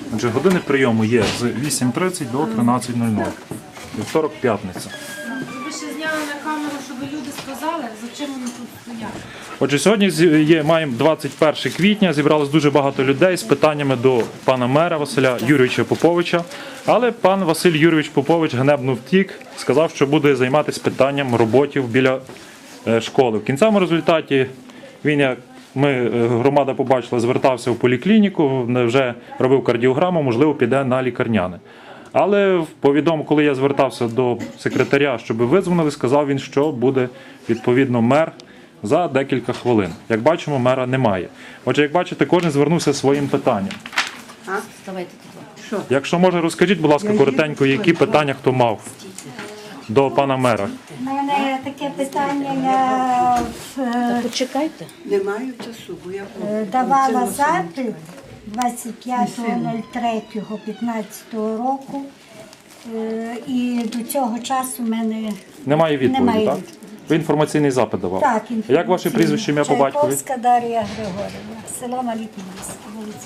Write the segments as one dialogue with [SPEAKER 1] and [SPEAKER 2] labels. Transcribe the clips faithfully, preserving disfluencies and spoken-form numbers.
[SPEAKER 1] Отже, години прийому є з вісім тридцять до тринадцять нуль нуль. Вівторок, п'ятниця.
[SPEAKER 2] Ви ще зняли на камеру, щоб люди сказали, за чим вони тут стоять.
[SPEAKER 1] Отже, сьогодні зі- є, маємо двадцять перше квітня, зібралось дуже багато людей з питаннями до пана мера Василя Юрійовича Поповича. Але пан Василь Юрійович Попович ганебно втік, сказав, що буде займатися питанням роботів біля е, школи. В кінцевому результаті він, як ми, е, громада побачила, звертався в поліклініку, вже робив кардіограму, можливо, піде на лікарняне. Але повідомо, коли я звертався до секретаря, щоб визвонили, сказав він, що буде відповідно мер за декілька хвилин. Як бачимо, мера немає. Отже, як бачите, кожен звернувся своїм питанням.
[SPEAKER 3] Вставайте туди.
[SPEAKER 1] Якщо може, розкажіть, будь ласка, коротенько, які питання хто мав до пана мера.
[SPEAKER 4] У мене таке питання, я е,
[SPEAKER 3] Почекайте.
[SPEAKER 5] Не маю часу, бо я
[SPEAKER 4] е, давала запит двадцять п'ятого третього п'ятнадцятого року, е, і до цього часу в мене
[SPEAKER 1] Немає відповіді,
[SPEAKER 4] Немає
[SPEAKER 1] так?
[SPEAKER 4] відповіді.
[SPEAKER 1] Ви інформаційний запит давав.
[SPEAKER 4] так,
[SPEAKER 1] Як ваше прізвище, ім'я по батькові?
[SPEAKER 4] Чайковська Дар'я Григорівна, село Маліпінське, вулиця.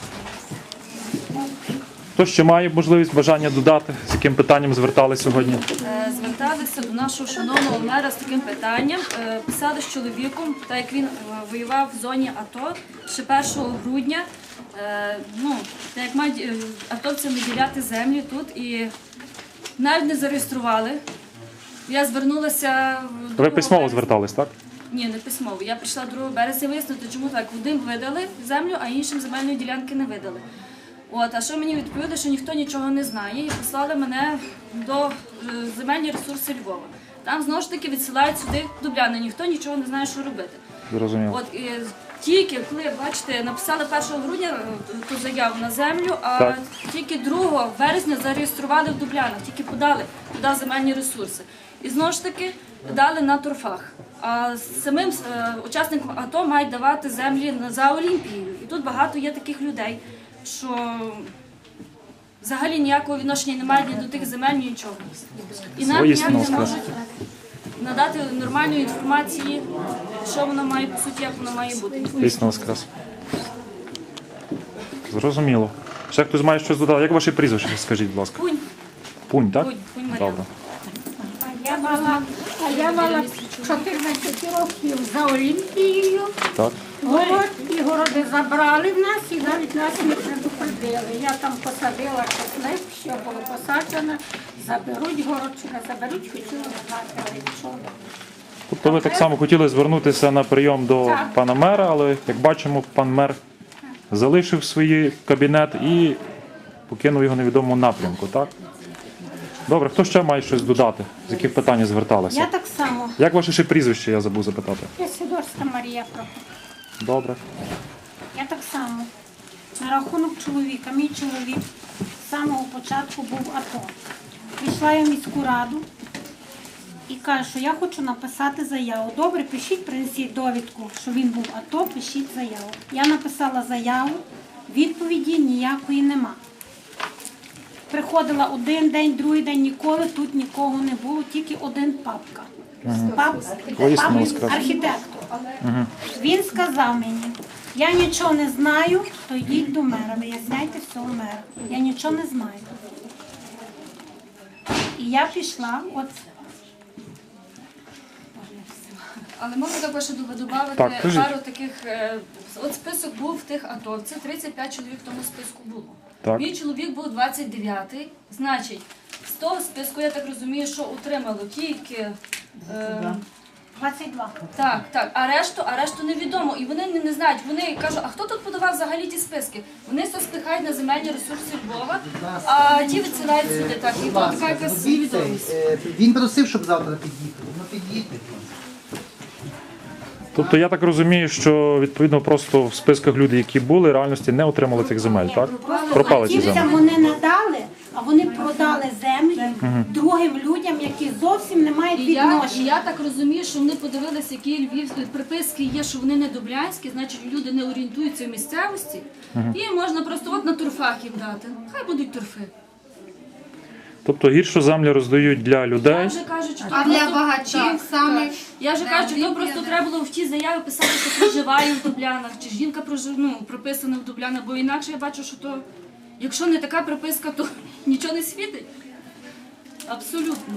[SPEAKER 1] Хто ще має можливість, бажання додати, з яким питанням звертали сьогодні?
[SPEAKER 6] Е, Зверталися до нашого шановного мера з таким питанням. Е, Писали з чоловіком, так як він е, воював в зоні АТО ще першого грудня. Е, Ну, так як мають е, атовцям виділяти землі тут і навіть не зареєстрували. Я звернулася в
[SPEAKER 1] Ви письмово
[SPEAKER 6] березня.
[SPEAKER 1] звертались, так?
[SPEAKER 6] Ні, не письмово. Я прийшла другого березня вияснити, чому так. Одним видали землю, а іншим земельної ділянки не видали. От, а що мені відповіли, що ніхто нічого не знає, і послали мене до е, земельні ресурси Львова. Там знову ж таки відсилають сюди Дубляни, ніхто нічого не знає, що робити.
[SPEAKER 1] Зрозуміло.
[SPEAKER 6] От і тільки коли, бачите, написали першого грудня е, ту заяву на землю, а
[SPEAKER 1] Так.
[SPEAKER 6] тільки другого березня зареєстрували в Дублянах, тільки подали туди земельні ресурси. І знову ж таки дали на торфах. А самим е, учасникам АТО мають давати землі на- за Олімпією. І тут багато є таких людей, що взагалі ніякого відношення не мають ні до тих земель, ні нічого. І нам
[SPEAKER 1] Свої
[SPEAKER 6] ніяк не
[SPEAKER 1] сноски.
[SPEAKER 6] можуть надати нормальної інформації, що воно має по суті, як воно має бути.
[SPEAKER 1] Дійсно воскрес. Зрозуміло. Ще хтось має щось додати? Як ваше прізвище, скажіть, будь ласка?
[SPEAKER 6] Пунь,
[SPEAKER 1] Пунь, так?
[SPEAKER 6] Пунь, Пунь Мар'яна.
[SPEAKER 1] Добре.
[SPEAKER 7] Я мала, а я мала чотирнадцять років за Олімпією.
[SPEAKER 1] Так.
[SPEAKER 7] Город і городи забрали в нас і навіть нас не предупредили. Я там посадила чесник, що було посаджено. Заберуть город чи не заберуть, хотіла знати, але нічого.
[SPEAKER 1] Тобто ви так само хотіли звернутися на прийом до
[SPEAKER 7] Так.
[SPEAKER 1] пана мера, але, як бачимо, пан мер залишив свій кабінет і покинув його в невідомому напрямку, так? Добре, хто ще має щось додати? З яких питань
[SPEAKER 7] Я
[SPEAKER 1] зверталися?
[SPEAKER 7] так само.
[SPEAKER 1] Як ваше ще прізвище, я забув запитати?
[SPEAKER 7] Я Сидорська Марія Прокоп.
[SPEAKER 1] Добре.
[SPEAKER 7] Я так само. На рахунок чоловіка. Мій чоловік з самого початку був АТО. Пішла я в міську раду і кажу, що я хочу написати заяву. Добре, пишіть, принесіть довідку, що він був АТО, пишіть заяву. Я написала заяву, відповіді ніякої нема. Приходила один день, другий день, ніколи тут нікого не було, тільки один папка. Пап,
[SPEAKER 1] Воістину
[SPEAKER 7] пап-
[SPEAKER 1] воскрес.
[SPEAKER 7] архітектор. Він сказав мені, я нічого не знаю, то йдіть до мера, виясняйте все у мера. Я нічого не знаю. І я пішла, от
[SPEAKER 6] Але можна також додати
[SPEAKER 1] Так, кажіть.
[SPEAKER 6] пару таких. е, От список був тих атовців, тридцять п'ять чоловік в тому списку було.
[SPEAKER 1] Так.
[SPEAKER 6] Мій чоловік був двадцять дев'ятий, значить, з того списку, я так розумію, що утримало тільки. Е,
[SPEAKER 7] двадцять два.
[SPEAKER 6] Так, так, а решту, а решту невідомо. І вони не, не знають. Вони кажуть, а хто тут подавав взагалі ті списки? Вони все спихають на земельні ресурси Львова, а ті відсилають сюди. Так, і то така якась невідомість.
[SPEAKER 8] Е, Він просив, щоб завтра під'їхали. Ну під'їдьте.
[SPEAKER 1] Тобто я так розумію, що відповідно просто в списках люди, які були, в реальності не отримали цих земель, так? Пропали ці
[SPEAKER 7] Дівцям
[SPEAKER 1] землі.
[SPEAKER 7] вони надали, а вони продали землі другим людям, які зовсім не мають
[SPEAKER 6] І я, і
[SPEAKER 7] відношення.
[SPEAKER 6] я так розумію, що вони подивилися, які львівські приписки є, що вони не дублянські, значить люди не орієнтуються в місцевості, і можна просто от на торфах їм дати. Хай будуть торфи.
[SPEAKER 1] Тобто гіршу землю роздають для
[SPEAKER 6] Я
[SPEAKER 1] людей.
[SPEAKER 6] вже кажу, що
[SPEAKER 2] А для багачів саме.
[SPEAKER 6] Я вже кажу, що просто треба було в ті заяви писати, що проживає в Дублянах, чи жінка прожив, ну, прописана в Дублянах, бо інакше я бачу, що то Якщо не така приписка, то нічого не світить. Абсолютно.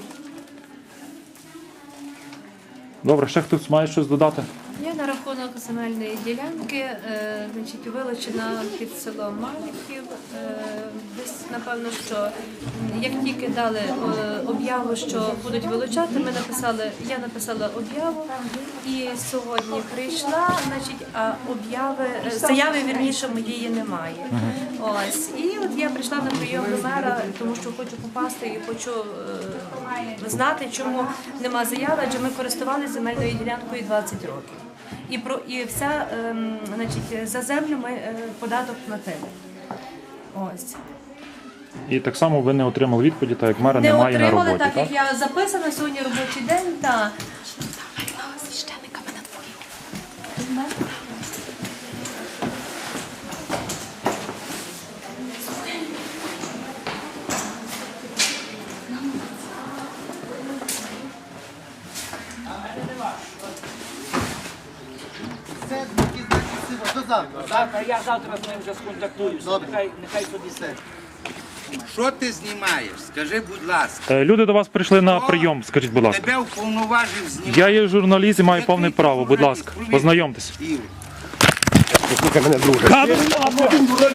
[SPEAKER 1] Добре, ще хтось має щось додати?
[SPEAKER 3] Я на рахунок земельної ділянки, е, значить, вилучена під селом Малихів. Е, десь, напевно, що м, як тільки дали е, об'яву, що будуть вилучати, ми написали, я написала об'яву і сьогодні прийшла, значить, а об'яви, е, заяви, вірніше, моєї немає. Ось. І от я прийшла на прийом до мера, тому що хочу попасти і хочу е, знати, чому нема заяви, адже ми користувалися земельною ділянкою двадцять років. І про і вся ем, значить, за землю ми е, податок платили. Ось.
[SPEAKER 1] І так само ви не отримали відповіді, так як мера
[SPEAKER 3] Не
[SPEAKER 1] немає на
[SPEAKER 3] отримали,
[SPEAKER 1] роботі,
[SPEAKER 3] так
[SPEAKER 1] так?
[SPEAKER 3] як я записана сьогодні робочий день, та
[SPEAKER 8] Все, які значить, до завтра.
[SPEAKER 9] Завтра я завтра з ним вже сконтактуюся.
[SPEAKER 8] Добре.
[SPEAKER 9] Нехай, нехай собі
[SPEAKER 8] Все.
[SPEAKER 10] Що ти знімаєш? Скажи, будь ласка.
[SPEAKER 1] Е, Люди до вас прийшли на прийом, скажіть, будь ласка.
[SPEAKER 10] Тебе уповноважив знімати.
[SPEAKER 1] Я є журналіст і маю повне право, будь ласка, познайомтесь.
[SPEAKER 10] Ігор.
[SPEAKER 1] Послухай мене, друже.